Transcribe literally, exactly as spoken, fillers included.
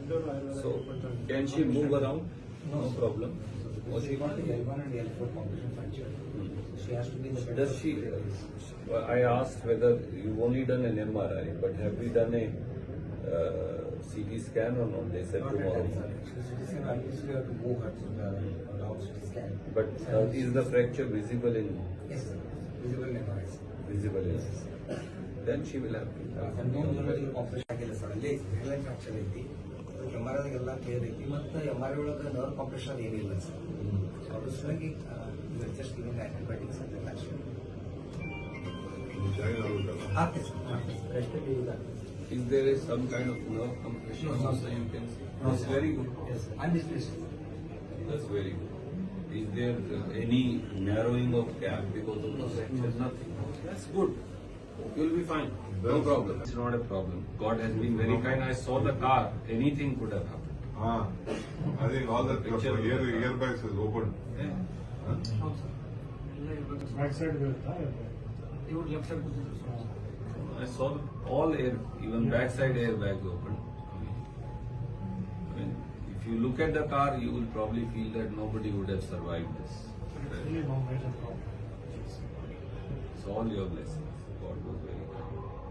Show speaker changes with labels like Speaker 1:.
Speaker 1: So, can she move around? No problem.
Speaker 2: Because she got the L one and L four competition fracture. She has to be in the
Speaker 1: Does she? Uh, I asked whether you've only done an M R I, but have we done a uh, C T scan or not? They said
Speaker 2: Not
Speaker 1: tomorrow.
Speaker 2: at that, sir. She said obviously we have to move her to the down C T scan.
Speaker 1: But uh, is the fracture visible in?
Speaker 2: Yes, sir. Visible in M R I.
Speaker 1: Visible in. Then she will have to.
Speaker 2: ಹನ್ನೊಂದು ಜನರಿಗೆ compression ಆಗಿಲ್ಲ sir. ಅಲ್ಲಿ hairline fracture ಐತಿ. M R ಐದಾಗೆಲ್ಲ clear ಐತಿ. ಮತ್ತು M R I ಒಳಗೆ nerve compression ಏನಿಲ್ಲ ಸರ್. ಅದ್ರ ಸಲುವಾಗಿ ಜಸ್ಟ್ ಗಿವಿಂಗ್ ಆಂಟಿಬಯೋಟಿಕ್ಸ್ ಅಂತ ಅಷ್ಟೇ. ಆಗ್ತದೆ ಸರ್. ಆಗ್ತದೆ sir.
Speaker 1: Is there is some kind of nerve compression?
Speaker 2: No, no,
Speaker 1: so you can see.
Speaker 2: No,
Speaker 1: That's
Speaker 2: sir.
Speaker 1: very good.
Speaker 2: Yes, sir. I'm displaced.
Speaker 1: That's very good. Is there uh, any narrowing of gap because of the fracture? Nothing. That's good. You'll be fine. No problem. It's not a problem. God has been very kind. I saw the car. Anything could have happened.
Speaker 3: Ah, I think all the
Speaker 1: Picture of
Speaker 3: air,
Speaker 1: the car.
Speaker 3: airbags is open.
Speaker 1: Yeah.
Speaker 4: Back side ಬೀಳುತ್ತಾ
Speaker 2: ಇವ್ರು left side
Speaker 1: I saw the, all air, even backside airbags open. I mean, if you look at the car, you will probably feel that nobody would have survived this.
Speaker 4: really no major problem.
Speaker 1: It's all your blessings. God was very kind.